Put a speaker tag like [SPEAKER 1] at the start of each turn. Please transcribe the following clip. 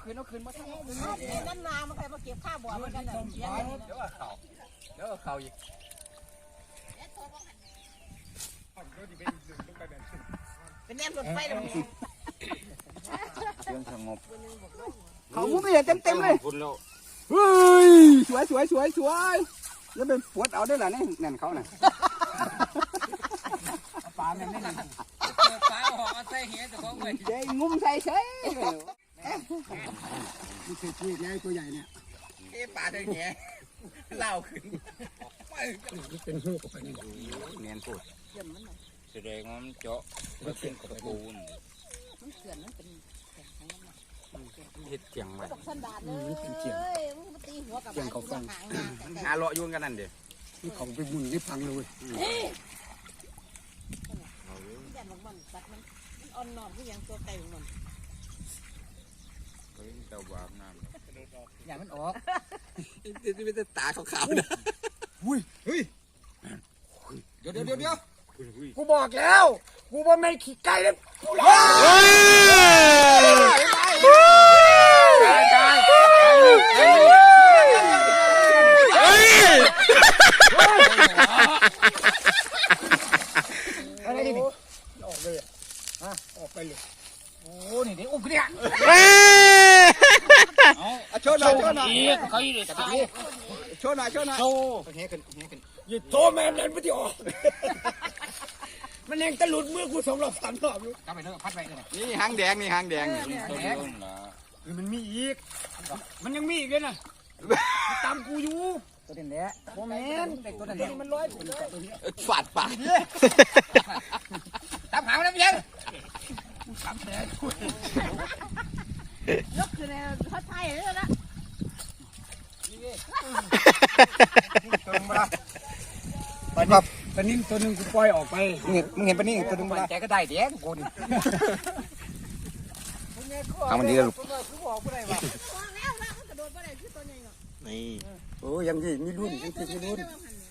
[SPEAKER 1] คืนมาทั้ง
[SPEAKER 2] น้ำนามันใครมาเก็บข้าวบ่อมันกันเดี๋ยว
[SPEAKER 1] เขาอีก
[SPEAKER 2] เป็นแนมรถไฟเลย
[SPEAKER 3] เรื่องสงบ
[SPEAKER 1] เขามุ้งไม่เห็นเต็มเลยเฮ้ยสวยแล้วเป็นปวดเอาได้หรอเนี่ยนั่นเขาน่ะปลาเนี่ยไม่นั่นปลาหอกใส่เหี้ยแต่ของเว้ยใจงุ้มใส่เฉยนี่คือตัวใหญ่ตัวใหญ่เนี่ยปลาตัวเหี้ยเล่าขึ้นเป็นหูกับนี่เนียนพูด
[SPEAKER 3] แสดงว่ามันเจาะมันเป็นกระปูน
[SPEAKER 2] มันเขื่อนมันเป็น
[SPEAKER 3] เห็ดเจียงไว้
[SPEAKER 2] ตกสันดานเลยมึงมาตีหัวกับมันหาง
[SPEAKER 3] หาเลาะยุ่งกันนั่นเดี๋ยว
[SPEAKER 1] นี่ของไปบุญนี่พังเลย
[SPEAKER 2] แย่มันสักมันอ่อนนอนที่ยังตัวไก่ของมัน
[SPEAKER 3] เฮ้ยเต่าบาปน้ำ
[SPEAKER 1] อย่ามันออก
[SPEAKER 3] ไม่ได้ตาขาวๆนะ
[SPEAKER 1] เฮ้ยเดี๋ยวกูบอกแล้วกูว่าไม่ขี้ไก่เลยกูหลอะไรนี่ออกเลยอ่ะออกไปเลยโอ้นี่เดี๋ยวอุ้มเนี่ยเอาโชว์หน่อยเขาอีกเลยโชว์หน่อยโชว์เฮ้ยขึ้นอย่าโทษแม่นั่นไม่ได้ออกมันยังตะลุดมือกู2 รอบ 3 รอบอยู่กลับไปเถอะพัดไปเลย
[SPEAKER 3] นี่หางแดง
[SPEAKER 1] ตัวนี้มันมีอีกมันยังมีอีกเลยนะตามกูอยู่ตัวนี้แหละโมเมนต์ตัวนี้มันร้อยตัวนี้
[SPEAKER 3] ฝาดปาก
[SPEAKER 1] ตามหาแล้วยังตามแผลกู
[SPEAKER 2] ยกคือในเขาไทยเลยละ
[SPEAKER 1] ปนิ่งตัวนึงกูปล่อยออกไปมึงเห็นปนิ่งตัวนึงมาแกก็ได้เดี๋ยวกูนี่
[SPEAKER 3] ทำมันดีแล้วลูก
[SPEAKER 2] แล้วมันกระโดดไปไหนคือตัวใหญ่เนาะ
[SPEAKER 3] นี่
[SPEAKER 1] โอ้ยังมีรุ่นมีรุ่น